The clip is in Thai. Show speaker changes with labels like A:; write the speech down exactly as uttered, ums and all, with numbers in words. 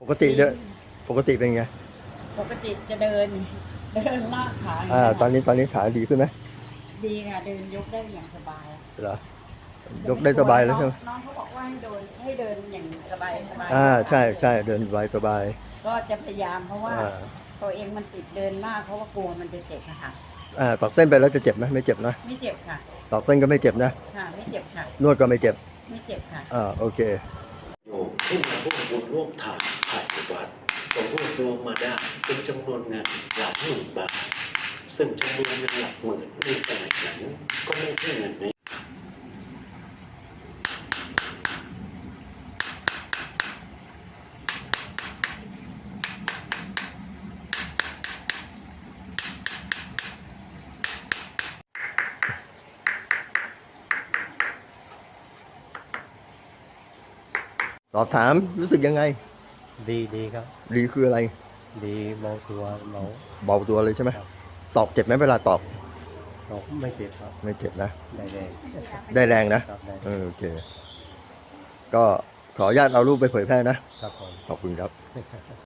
A: กติเดินปกติเป็นไง
B: ปกติจะเดินเดินลากขา
A: อ่าตอนนี้ตอนนี้ขาดีขึ้นไหม
B: ดีค่ะเดินยกได้อย่างสบาย
A: เหรอยกได้สบายแล้วใช่ไหม
B: น้องเขาบอกว่าให้เดินให้เดินอย่างสบายสบาย
A: อ่าใช่ใช่เดินสบายสบาย
B: ก็จะพยายามเพราะว่า
A: อ่า
B: ตัวเองมันติดเดินลากเพราะว่ากลัวมันจะเจ็บค่ะ
A: อ่าตอกเส้นไปแล้วจะเจ็บไหมไม่เจ็บนะ
B: ไม่เจ็บค่ะ
A: ตอกเส้นก็ไม่เจ็บนะ
B: ค่ะไม่เจ็บค่ะ
A: นวดก็ไม่เจ็บ
B: ไม่เจ็บค่ะ
A: อ่าโอเค
C: โยมที่มาร่วมบุญร่วมทานภายในวัดก็รวบรวมมาได้เป็นจำนวนเงินหลักหมื่นบาทซึ่งจำนวนเงินหลักหมื่นในสมัยนั้นก็ไม่ใช่เงินใน
A: สอบถามรู้สึกยังไง
D: ดีดีครับ
A: ดีคืออะไร
D: ดีเบาตัวเบา
A: เบาตัวเลยใช่ไหมตอกเจ็บไหมเวลาตอก
D: ตกไม่เจ็บครับ
A: ไม่เจ็บนะ
D: ได้แรง
A: ได้แรงนะครับ
D: ได้
A: เออโอเคก็ขออนุญาตเอารูปไปเผยแพร่นะ
D: ครับผม
A: ขอบคุณครับ